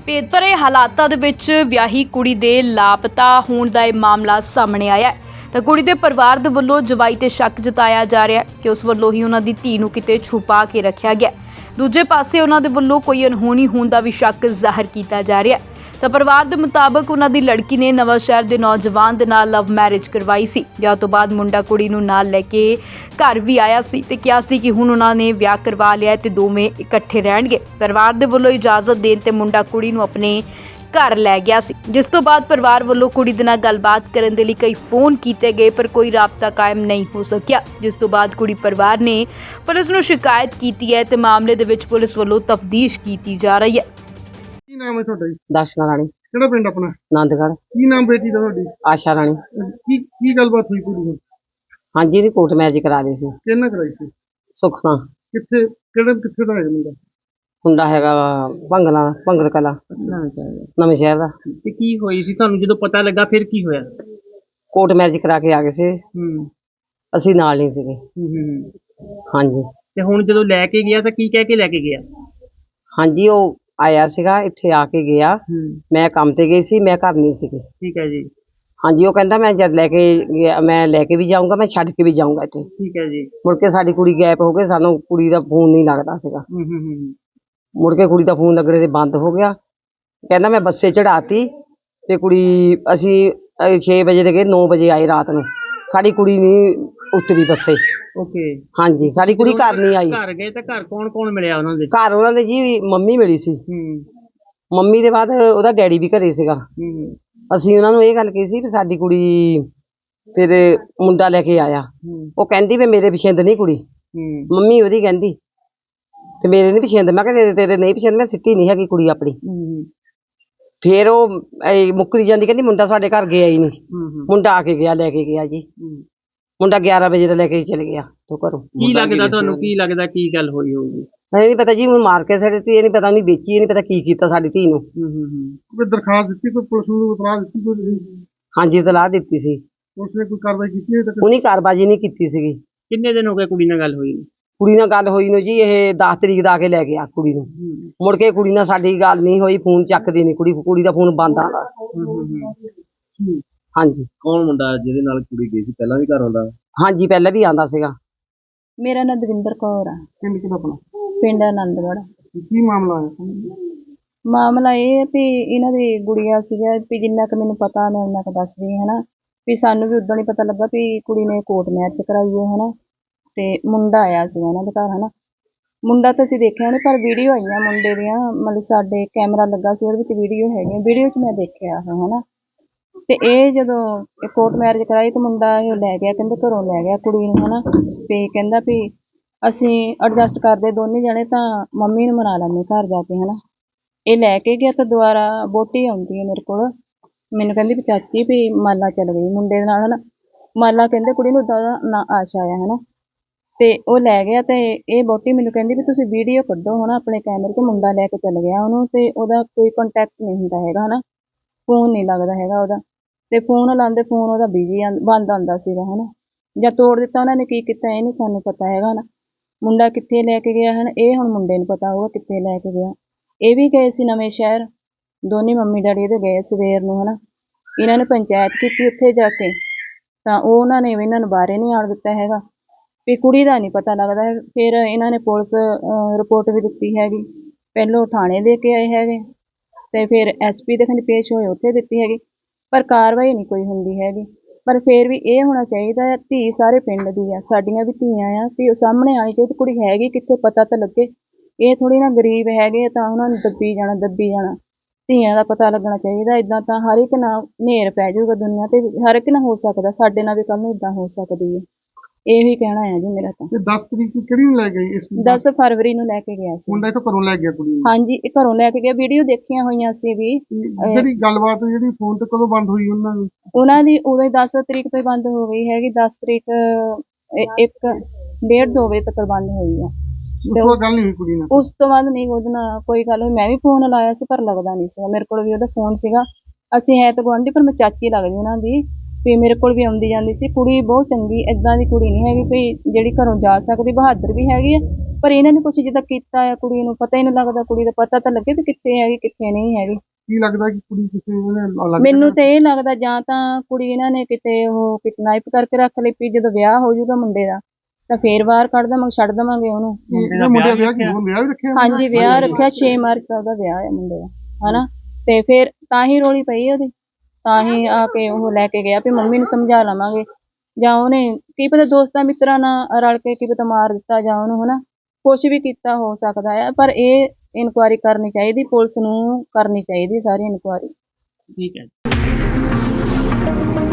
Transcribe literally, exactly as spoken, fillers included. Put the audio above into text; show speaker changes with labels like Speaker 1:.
Speaker 1: ਭੇਦ ਭਰੇ ਹਾਲਾਤਾਂ ਦੇ ਵਿੱਚ ਵਿਆਹੀ ਕੁੜੀ ਦੇ ਲਾਪਤਾ ਹੋਣ ਦਾ ਇਹ ਮਾਮਲਾ ਸਾਹਮਣੇ ਆਇਆ ਹੈ ਤਾਂ ਕੁੜੀ ਦੇ ਪਰਿਵਾਰ ਦੇ ਵੱਲੋਂ ਜਵਾਈ ਤੇ ਸ਼ੱਕ ਜਤਾਇਆ ਜਾ ਰਿਹਾ ਹੈ ਕਿ ਉਸ ਵੱਲੋਂ ਹੀ ਉਹਨਾਂ ਦੀ ਧੀ ਨੂੰ ਕਿਤੇ ਛੁਪਾ ਕੇ ਰੱਖਿਆ ਗਿਆ। ਦੂਜੇ ਪਾਸੇ ਉਹਨਾਂ ਦੇ ਵੱਲੋਂ ਕੋਈ ਅਣਹੋਣੀ ਹੋਣ ਦਾ ਵੀ ਸ਼ੱਕ ਜ਼ਾਹਰ ਕੀਤਾ ਜਾ ਰਿਹਾ ਹੈ ਤਾਂ ਪਰਿਵਾਰ ਦੇ ਮੁਤਾਬਕ ਉਹਨਾਂ ਦੀ ਲੜਕੀ ਨੇ ਨਵਾਂ ਸ਼ਹਿਰ ਦੇ ਨੌਜਵਾਨ ਦੇ ਨਾਲ ਲਵ ਮੈਰਿਜ ਕਰਵਾਈ ਸੀ। ਵਿਆਹ ਤੋਂ ਬਾਅਦ ਮੁੰਡਾ ਕੁੜੀ ਨੂੰ ਨਾਲ ਲੈ ਕੇ ਘਰ ਵੀ ਆਇਆ ਸੀ ਤੇ ਕਿਹਾ ਸੀ ਕਿ ਹੁਣ ਉਹਨਾਂ ਨੇ ਵਿਆਹ ਕਰਵਾ ਲਿਆ ਤੇ ਦੋਵੇਂ ਇਕੱਠੇ ਰਹਿਣਗੇ। ਪਰਿਵਾਰ ਦੇ ਵੱਲੋਂ ਇਜਾਜ਼ਤ ਦੇਣ ਤੇ ਮੁੰਡਾ ਕੁੜੀ ਨੂੰ ਆਪਣੇ ਘਰ ਲੈ ਗਿਆ ਸੀ, ਜਿਸ ਤੋਂ ਬਾਅਦ ਪਰਿਵਾਰ ਵੱਲੋਂ ਕੁੜੀ ਦੇ ਨਾਲ ਗੱਲਬਾਤ ਕਰਨ ਦੇ ਲਈ ਕਈ ਫੋਨ ਕੀਤੇ ਗਏ ਪਰ ਕੋਈ ਰਾਬਤਾ ਕਾਇਮ ਨਹੀਂ ਹੋ ਸਕਿਆ, ਜਿਸ ਤੋਂ ਬਾਅਦ ਕੁੜੀ ਪਰਿਵਾਰ ਨੇ ਪੁਲਿਸ ਨੂੰ ਸ਼ਿਕਾਇਤ ਕੀਤੀ ਹੈ ਤੇ ਮਾਮਲੇ ਦੇ ਵਿੱਚ ਪੁਲਿਸ ਵੱਲੋਂ ਤਫਤੀਸ਼ ਕੀਤੀ ਜਾ ਰਹੀ ਹੈ।
Speaker 2: ਕੀ ਨਾਮ ਹੈ ਤੁਹਾਡਾ ਜੀ?
Speaker 3: ਦਰਸ਼ਨਾ ਰਾਣੀ,
Speaker 2: ਕਿਹੜਾ ਪਿੰਡ ਆਪਣਾ?
Speaker 3: ਆਨੰਦਗੜ੍ਹ।
Speaker 2: ਕੀ ਨਾਮ ਬੇਟੀ ਦਾ ਤੁਹਾਡੀ?
Speaker 3: ਆਸ਼ਾ ਰਾਣੀ।
Speaker 2: ਕੀ ਕੀ ਗੱਲਬਾਤ ਹੋਈ ਕੁੜੀ ਨਾਲ?
Speaker 3: ਹਾਂਜੀ, ਇਹਦੀ ਕੋਰਟ ਮੈਰਿਜ ਕਰਾ ਲਈ ਸੀ।
Speaker 2: ਕਿਹਨਾਂ ਕਰਾਈ ਸੀ?
Speaker 3: ਸੁੱਖ ਨਾਲ।
Speaker 2: ਕਿੱਥੇ ਕਿਹੜੇ ਕਿੱਥੇ ਦਾ ਹੈ ਮੁੰਡਾ?
Speaker 3: ਮੁੰਡਾ ਹੈਗਾ ਵਾ ਭੰਗਲਾ ਭੰਗਲ ਕਲਾ ਨਵੇਂ ਸ਼ਹਿਰ ਦਾ।
Speaker 4: ਤੇ ਕੀ ਹੋਈ ਸੀ ਤੁਹਾਨੂੰ ਜਦੋਂ ਪਤਾ ਲੱਗਾ, ਫਿਰ ਕੀ ਹੋਇਆ?
Speaker 3: ਕੋਰਟ ਮੈਰਿਜ ਕਰਾ ਕੇ ਆ ਗਏ ਸੀ,
Speaker 4: ਹੂੰ
Speaker 3: ਅਸੀਂ ਨਾਲ ਨਹੀਂ ਸੀਗੇ।
Speaker 4: ਹੂੰ ਹੂੰ।
Speaker 3: ਹਾਂਜੀ
Speaker 4: ਤੇ ਹੁਣ ਜਦੋਂ ਲੈ ਕੇ ਗਿਆ ਤਾਂ ਕੀ ਕਹਿ ਕੇ ਲੈ ਕੇ ਗਿਆ?
Speaker 3: ਹਾਂਜੀ, ਉਹ ਆਇਆ ਸੀਗਾ, ਇੱਥੇ ਆ ਕੇ ਗਿਆ।
Speaker 4: ਹੂੰ
Speaker 3: ਮੈਂ ਕੰਮ ਤੇ ਗਈ ਸੀ, ਮੈਂ ਘਰ ਨਹੀਂ ਸੀਗੀ।
Speaker 4: ਠੀਕ ਹੈ ਜੀ।
Speaker 3: ਹਾਂਜੀ, ਉਹ ਕਹਿੰਦਾ ਮੈਂ ਜਦ ਲੈ ਕੇ ਗਿਆ ਮੈਂ ਲੈ ਕੇ ਵੀ ਜਾਊਂਗਾ, ਮੈਂ ਛੱਡ ਕੇ ਵੀ ਜਾਊਂਗਾ ਇੱਥੇ।
Speaker 4: ਠੀਕ ਹੈ ਜੀ।
Speaker 3: ਮੁੜ ਕੇ ਸਾਡੀ ਕੁੜੀ ਗਾਇਬ ਹੋ ਗਈ, ਸਾਨੂੰ ਕੁੜੀ ਦਾ ਫੋਨ ਨਹੀਂ ਲੱਗਦਾ ਸੀਗਾ।
Speaker 4: ਹੂੰ ਹੂੰ ਹੂੰ।
Speaker 3: ਮੁੜ ਕੇ ਕੁੜੀ ਦਾ ਫੋਨ ਲੱਗਣੇ ਤੇ ਬੰਦ ਹੋ ਗਿਆ। ਕਹਿੰਦਾ ਮੈਂ ਬੱਸੇ ਚੜਾਤੀ ਤੇ ਕੁੜੀ ਅਸੀਂ ਛੇ ਵਜੇ ਦੇ ਗਏ, ਨੌ ਵਜੇ ਆਏ ਰਾਤ ਨੂੰ। ਸਾਡੀ ਕੁੜੀ ਨਹੀਂ ਉਤਰੀ ਬੱਸੇ।
Speaker 4: ਓਕੇ।
Speaker 3: ਹਾਂਜੀ, ਸਾਡੀ ਕੁੜੀ ਘਰ ਨਹੀਂ ਆਈ।
Speaker 4: ਘਰ ਗਏ ਤਾਂ ਘਰ ਕੌਣ ਕੌਣ ਮਿਲਿਆ ਉਹਨਾਂ ਦੇ?
Speaker 3: ਘਰ ਉਹਨਾਂ ਦੇ ਜੀ ਮੰਮੀ ਮਿਲੀ ਸੀ।
Speaker 4: ਹੂੰ
Speaker 3: ਮੰਮੀ ਦੇ ਬਾਅਦ ਉਹਦਾ ਡੈਡੀ ਵੀ ਘਰੇ ਸੀਗਾ।
Speaker 4: ਹੂੰ
Speaker 3: ਅਸੀਂ ਉਹਨਾਂ ਨੂੰ ਇਹ ਗੱਲ ਕਹੀ ਸੀ ਵੀ ਸਾਡੀ ਕੁੜੀ ਫਿਰ ਮੁੰਡਾ ਲੈ ਕੇ ਆਇਆ।
Speaker 4: ਹੂੰ
Speaker 3: ਉਹ ਕਹਿੰਦੀ ਵੀ ਮੇਰੇ ਪਸੰਦ ਨਹੀਂ ਕੁੜੀ।
Speaker 4: ਹੂੰ
Speaker 3: ਮੰਮੀ ਉਹਦੀ ਕਹਿੰਦੀ ਤੇ ਮੇਰੇ ਨਹੀਂ ਪਸੰਦ। ਮੈਂ ਕਿਹਾ ਤੇਰੇ ਤੇਰੇ ਨਹੀਂ ਪਸੰਦ, ਮੈਂ ਸਿੱਟੀ ਨਹੀਂ ਹੈਗੀ ਕੁੜੀ ਆਪਣੀ।
Speaker 4: ਹੂੰ
Speaker 3: ਫਿਰ ਉਹ ਇਹ ਮੁੱਕਰੀ ਜਾਂਦੀ, ਕਹਿੰਦੀ ਮੁੰਡਾ ਸਾਡੇ ਘਰ ਗਿਆ ਹੀ ਨਹੀਂ।
Speaker 4: ਹੂੰ।
Speaker 3: ਮੁੰਡਾ ਆ ਕੇ ਗਿਆ, ਲੈ ਕੇ ਗਿਆ ਜੀ। ਮੁੰਡਾ ਗਿਆਰਾਂ ਵਜੇ ਤੋਂ ਲੈ ਕੇ ਚਲੇ ਗਿਆ ਤੋਂ ਘਰੋਂ।
Speaker 4: ਕੀ ਲੱਗਦਾ ਤੁਹਾਨੂੰ, ਕੀ ਲੱਗਦਾ ਕੀ ਗੱਲ ਹੋਈ ਹੋਊਗੀ?
Speaker 3: ਇਹ ਨਹੀਂ ਪਤਾ ਜੀ, ਹੁਣ ਮਾਰ ਕੇ ਸੜਤੀ, ਇਹ ਨਹੀਂ ਪਤਾ ਉਹਨੇ ਵੇਚੀ, ਇਹ ਨਹੀਂ ਪਤਾ ਕੀ ਕੀਤਾ ਸਾਡੀ ਧੀ ਨੂੰ।
Speaker 4: ਹੂੰ ਹੂੰ ਹੂੰ।
Speaker 2: ਕੋਈ ਦਰਖਾਸਤ ਦਿੱਤੀ, ਕੋਈ ਪੁਲਿਸ ਨੂੰ ਇਤਲਾਹ ਦਿੱਤੀ ਕੋਈ?
Speaker 3: ਹਾਂਜੀ, ਇਤਲਾਹ ਦਿੱਤੀ ਸੀ।
Speaker 2: ਪੁਲਿਸ ਨੇ ਕੋਈ ਕਾਰਵਾਈ ਕੀਤੀ ਹੈ ਤੱਕ?
Speaker 3: ਉਹਨੇ ਕਾਰਬਾਜੀ ਨਹੀਂ ਕੀਤੀ ਸੀਗੀ।
Speaker 4: ਕਿੰਨੇ ਦਿਨ ਹੋ ਗਏ ਕੁੜੀ ਨਾਲ ਗੱਲ ਹੋਈ ਨੂੰ?
Speaker 3: ਕੁੜੀ ਨਾਲ ਗੱਲ ਹੋਈ ਨੂੰ ਜੀ ਇਹ ਦਸ ਤਰੀਕ ਦਾ ਆ ਕੇ ਲੈ ਗਿਆ ਕੁੜੀ ਨੂੰ। ਮੁੜ ਕੇ ਕੁੜੀ ਨਾਲ ਸਾਡੀ ਗੱਲ ਨਹੀਂ ਹੋਈ, ਫੋਨ ਚੱਕਦੀ ਨਹੀਂ ਕੁੜੀ, ਕੁੜੀ ਦਾ ਫੋਨ ਬੰਦ ਆਉਂਦਾ। ਹਾਂਜੀ।
Speaker 4: ਕੌਣ ਮੁੰਡਾ ਜਿਹਦੇ ਨਾਲ ਕੁੜੀ ਗਈ ਸੀ, ਪਹਿਲਾਂ ਵੀ ਘਰ ਆਉਂਦਾ?
Speaker 3: ਹਾਂਜੀ, ਪਹਿਲਾਂ ਵੀ ਆਉਂਦਾ ਸੀਗਾ।
Speaker 5: ਮੇਰਾ ਨਾਂ ਦਵਿੰਦਰ ਕੌਰ ਆ,
Speaker 2: ਪਿੰਡ ਕਿਹੜਾ ਆਪਣਾ?
Speaker 5: ਪਿੰਡ ਆਨੰਦਗੜ੍ਹ।
Speaker 2: ਕੀ ਮਾਮਲਾ ਹੈ?
Speaker 5: ਮਾਮਲਾ ਇਹ ਹੈ ਵੀ ਇਹਨਾਂ ਦੀ ਗੁੜੀਆ ਸੀਗਾ ਵੀ ਜਿੰਨਾ ਕੁ ਮੈਨੂੰ ਪਤਾ ਮੈਂ ਉਹਨਾਂ ਕੁ ਦੱਸਦੀ ਹਾਂ, ਹਨਾ ਵੀ ਸਾਨੂੰ ਵੀ ਉਦੋਂ ਨਹੀਂ ਪਤਾ ਲੱਗਾ ਵੀ ਕੁੜੀ ਨੇ ਕੋਰਟ ਮੈਰਿਜ ਕਰਾਈ ਹੈ, ਹਨਾ ਤੇ ਮੁੰਡਾ ਆਇਆ ਸੀ ਉਹਨਾਂ ਦੇ ਘਰ, ਹਨਾ ਮੁੰਡਾ ਤਾਂ ਅਸੀਂ ਦੇਖਿਆ ਨਹੀਂ ਪਰ ਵੀਡੀਓ ਆਈਆਂ ਮੁੰਡੇ ਦੀਆਂ, ਮਤਲਬ ਸਾਡੇ ਕੈਮਰਾ ਲੱਗਾ ਸੀ ਉਹਦੇ ਵਿੱਚ ਵੀਡੀਓ ਹੈਗੀਆਂ, ਵੀਡੀਓ 'ਚ ਮੈਂ ਦੇਖਿਆ ਉਹ, ਹਨਾ ਤੇ ਇਹ ਜਦੋਂ ਇਹ ਕੋਰਟ ਮੈਰਿਜ ਕਰਾਈ ਤਾਂ ਮੁੰਡਾ ਇਹ ਲੈ ਗਿਆ, ਕਹਿੰਦੇ ਘਰੋਂ ਲੈ ਗਿਆ ਕੁੜੀ ਨੂੰ, ਹਨਾ ਤੇ ਕਹਿੰਦਾ ਵੀ ਅਸੀਂ ਐਡਜਸਟ ਕਰਦੇ ਦੋਨੇ ਜਣੇ ਤਾਂ ਮੰਮੀ ਨੂੰ ਮਨਾ ਲੈਂਦੇ ਘਰ ਜਾ ਕੇ, ਹਨਾ ਇਹ ਲੈ ਕੇ ਗਿਆ ਤਾਂ ਦੁਬਾਰਾ ਵਹੁਟੀ ਆਉਂਦੀ ਹੈ ਮੇਰੇ ਕੋਲ, ਮੈਨੂੰ ਕਹਿੰਦੀ ਵੀ ਚਾਚੀ ਵੀ ਮਾਲਾ ਚੱਲ ਗਈ ਮੁੰਡੇ ਦੇ ਨਾਲ, ਹਨਾ ਮਾਲਾ ਕਹਿੰਦੇ ਕੁੜੀ ਨੂੰ ਉੱਦਾਂ ਦਾ ਨਾਂ ਆਸ਼ਾ ਆਇਆ, ਹਨਾ ਤੇ ਉਹ ਲੈ ਗਿਆ ਤੇ ਇਹ ਵਹੁਟੀ ਮੈਨੂੰ ਕਹਿੰਦੀ ਵੀ ਤੁਸੀਂ ਵੀਡੀਓ ਕੱਢੋ ਹਨਾ ਆਪਣੇ ਕੈਮਰੇ 'ਤੇ, ਮੁੰਡਾ ਲੈ ਕੇ ਚੱਲ ਗਿਆ ਉਹਨੂੰ ਤੇ ਉਹਦਾ ਕੋਈ ਕੰਟੈਕਟ ਨਹੀਂ ਹੁੰਦਾ ਹੈਗਾ, ਹਨਾ ਫੋਨ ਨਹੀਂ ਲੱਗਦਾ ਹੈਗਾ ਉਹਦਾ, ਤੇ ਫੋਨ ਲਾਉਂਦੇ ਫੋਨ ਉਹਦਾ ਬਿਜੀ ਬੰਦ ਆਉਂਦਾ ਸੀਗਾ, ਹਨਾ ਜਾਂ ਤੋੜ ਦਿੱਤਾ ਉਹਨਾਂ ਨੇ, ਕੀ ਕੀਤਾ ਇਹ ਨਹੀਂ ਸਾਨੂੰ ਪਤਾ ਹੈਗਾ, ਹਨਾ ਮੁੰਡਾ ਕਿੱਥੇ ਲੈ ਕੇ ਗਿਆ ਹਨ ਇਹ ਹੁਣ ਮੁੰਡੇ ਨੂੰ ਪਤਾ ਹੋਊਗਾ ਕਿੱਥੇ ਲੈ ਕੇ ਗਿਆ। ਇਹ ਵੀ ਗਏ ਸੀ ਨਵੇਂ ਸ਼ਹਿਰ, ਦੋਨੇ ਮੰਮੀ ਡੈਡੀ ਇਹਦੇ ਗਏ ਸਵੇਰ ਨੂੰ, ਹਨਾ ਇਹਨਾਂ ਨੇ ਪੰਚਾਇਤ ਕੀਤੀ ਉੱਥੇ ਜਾ ਕੇ ਤਾਂ ਉਹ ਉਹਨਾਂ ਨੇ ਇਹਨਾਂ ਨੂੰ ਬਾਹਰੇ ਨਹੀਂ ਆਉਣ ਦਿੱਤਾ ਹੈਗਾ, ਵੀ ਕੁੜੀ ਦਾ ਨਹੀਂ ਪਤਾ ਲੱਗਦਾ। ਫਿਰ ਇਹਨਾਂ ਨੇ ਪੁਲਿਸ ਰਿਪੋਰਟ ਵੀ ਦਿੱਤੀ ਹੈਗੀ, ਪਹਿਲੋਂ ਥਾਣੇ ਦੇ ਕੇ ਆਏ ਹੈਗੇ ਤੇ ਫਿਰ ਐਸ ਪੀ ਦੇ ਖੰਡ ਪੇਸ਼ ਹੋਏ ਉੱਥੇ ਦਿੱਤੀ ਹੈਗੀ, ਪਰ ਕਾਰਵਾਈ ਨਹੀਂ ਕੋਈ ਹੁੰਦੀ ਹੈਗੀ। ਪਰ ਫਿਰ ਵੀ ਇਹ ਹੋਣਾ ਚਾਹੀਦਾ ਹੈ, ਧੀ ਸਾਰੇ ਪਿੰਡ ਦੀ ਆ, ਸਾਡੀਆਂ ਵੀ ਧੀਆਂ ਆ, ਵੀ ਉਹ ਸਾਹਮਣੇ ਆਉਣੀ ਚਾਹੀਦੀ ਕੁੜੀ ਹੈਗੀ ਕਿੱਥੇ, ਪਤਾ ਤਾਂ ਲੱਗੇ। ਇਹ ਥੋੜ੍ਹੀ ਨਾ ਗਰੀਬ ਹੈਗੇ ਤਾਂ ਉਹਨਾਂ ਨੂੰ ਦੱਬੀ ਜਾਣਾ ਦੱਬੀ ਜਾਣਾ, ਧੀਆਂ ਦਾ ਪਤਾ ਲੱਗਣਾ ਚਾਹੀਦਾ। ਇੱਦਾਂ ਤਾਂ ਹਰ ਇੱਕ ਨਾਲ ਹਨੇਰ ਪੈ ਜਾਊਗਾ ਦੁਨੀਆ ਤੇ, ਹਰ ਇੱਕ ਨਾਲ ਹੋ ਸਕਦਾ, ਸਾਡੇ ਨਾਲ ਵੀ ਕੱਲ੍ਹ ਨੂੰ ਇੱਦਾਂ ਹੋ ਸਕਦੀ ਹੈ। ਇਹੀ ਕਹਿਣਾ ਹੈ ਜੀ ਮੇਰਾ ਤਾਂ।
Speaker 2: ਦਸ ਤਰੀਕ ਨੂੰ ਕਿਹੜੀ ਨੂੰ ਲੈ ਗਈ? ਇਸ
Speaker 5: ਦਸ ਫਰਵਰੀ ਨੂੰ ਲੈ ਕੇ ਗਿਆ ਸੀ
Speaker 2: ਮੁੰਡਾ ਇੱਥੋਂ ਘਰੋਂ ਲੈ ਗਿਆ ਕੁੜੀ ਨੂੰ?
Speaker 5: ਹਾਂਜੀ, ਇਹ ਘਰੋਂ ਲੈ ਕੇ ਗਿਆ, ਵੀਡੀਓ ਦੇਖੀਆਂ ਹੋਈਆਂ ਸੀ ਵੀ।
Speaker 2: ਜਿਹੜੀ ਗੱਲਬਾਤ ਜਿਹੜੀ ਫੋਨ ਤੇ ਕਦੋਂ ਬੰਦ ਹੋਈ ਉਹਨਾਂ ਦੀ?
Speaker 5: ਉਹਨਾਂ ਦੀ ਉਦੋਂ ਹੀ ਦਸ ਤਰੀਕ ਤੋਂ ਹੀ ਬੰਦ ਹੋ ਗਈ ਹੈਗੀ, ਦਸ ਤਰੀਕ ਇੱਕ ਡੇਢ ਦੋ ਵਜੇ ਤੱਕ ਬੰਦ ਹੋਈ ਆ।
Speaker 2: ਉਸ ਤੋਂ ਬਾਅਦ ਗੱਲ ਨਹੀਂ ਹੋਈ ਕੁੜੀ ਨਾਲ?
Speaker 5: ਉਸ ਤੋਂ ਬਾਅਦ ਨਹੀਂ ਉਹਦੇ ਨਾਲ ਕੋਈ ਗੱਲ ਹੋਈ, ਮੈਂ ਵੀ ਫੋਨ ਲਾਇਆ ਸੀ ਪਰ ਲੱਗਦਾ ਨਹੀਂ ਸੀਗਾ, ਮੇਰੇ ਕੋਲ ਵੀ ਉਹਦਾ ਫੋਨ ਸੀਗਾ, ਅਸੀਂ ਹੈ ਤਾਂ ਗੁਆਂਢੀ ਪਰ ਮੈਂ ਚਾਚੀ ਲੱਗਦੀ ਉਹਨਾਂ ਦੀ, ਵੀ ਮੇਰੇ ਕੋਲ ਵੀ ਆਉਂਦੀ ਜਾਂਦੀ ਸੀ। ਕੁੜੀ ਬਹੁਤ ਚੰਗੀ, ਏਦਾਂ ਦੀ ਕੁੜੀ ਨਹੀਂ ਹੈਗੀ ਵੀ ਜਿਹੜੀ ਘਰੋਂ ਜਾ ਸਕਦੀ, ਬਹਾਦਰ ਵੀ ਹੈਗੀ ਆ, ਪਰ ਇਹਨਾਂ ਨੇ ਕੁਛ ਜਿੱਦਾਂ ਕੀਤਾ ਆ ਕੁੜੀ ਨੂੰ ਪਤਾ ਹੀ ਨਹੀਂ ਲੱਗਦਾ। ਕੁੜੀ ਦਾ ਪਤਾ ਤਾਂ ਲੱਗੇ ਵੀ ਕਿੱਥੇ ਹੈਗੀ ਕਿੱਥੇ ਨਹੀਂ ਹੈਗੀ।
Speaker 2: ਕੀ ਲੱਗਦਾ ਕਿ ਕੁੜੀ ਕਿਸੇ ਨੇ ਅਲੱਗ
Speaker 5: ਮੈਨੂੰ ਤਾਂ ਇਹ ਲੱਗਦਾ ਜਾਂ ਤਾਂ ਕੁੜੀ ਇਹਨਾਂ ਨੇ ਕਿਤੇ ਉਹ ਕਿਡਨੈਪ ਕਰਕੇ ਰੱਖ ਲਈ, ਵੀ ਜਦੋਂ ਵਿਆਹ ਹੋ ਜਾਊਗਾ ਮੁੰਡੇ ਦਾ ਤਾਂ ਫੇਰ ਬਾਹਰ ਕੱਢ ਦੇਵਾਂਗੇ, ਛੱਡ ਦੇਵਾਂਗੇ ਉਹਨੂੰ।
Speaker 2: ਇਹ ਮੁੰਡੇ ਦਾ ਵਿਆਹ ਕੀ ਹੁਣ ਵਿਆਹ ਵੀ ਰੱਖਿਆ?
Speaker 5: ਹਾਂਜੀ ਵਿਆਹ ਰੱਖਿਆ, ਛੇ ਮਾਰਚ ਦਾ ਉਹਦਾ ਵਿਆਹ ਹੈ ਮੁੰਡੇ ਦਾ, ਹਨਾ। ਤੇ ਫਿਰ ਤਾਂ ਹੀ ਰੋਲੀ ਪਈ ਉਹਦੀ, ਤਾਂ ਹੀ ਆ ਕੇ ਉਹ ਲੈ ਕੇ ਗਿਆ ਵੀ ਮੰਮੀ ਨੂੰ ਸਮਝਾ ਲਵਾਂਗੇ, ਜਾਂ ਉਹਨੇ ਕੀ ਪਤਾ ਦੋਸਤਾਂ ਮਿੱਤਰਾਂ ਨਾਲ ਰਲ ਕੇ ਕੀ ਪਤਾ ਮਾਰ ਦਿੱਤਾ ਜਾਂ ਉਹਨੂੰ, ਹਨਾ ਕੁਛ ਵੀ ਕੀਤਾ ਹੋ ਸਕਦਾ ਹੈ। ਪਰ ਇਹ ਇਨਕੁਆਇਰੀ ਕਰਨੀ ਚਾਹੀਦੀ, ਪੁਲਿਸ ਨੂੰ ਕਰਨੀ ਚਾਹੀਦੀ ਸਾਰੀ ਇਨਕੁਆਇਰੀ।
Speaker 4: ਠੀਕ ਹੈ।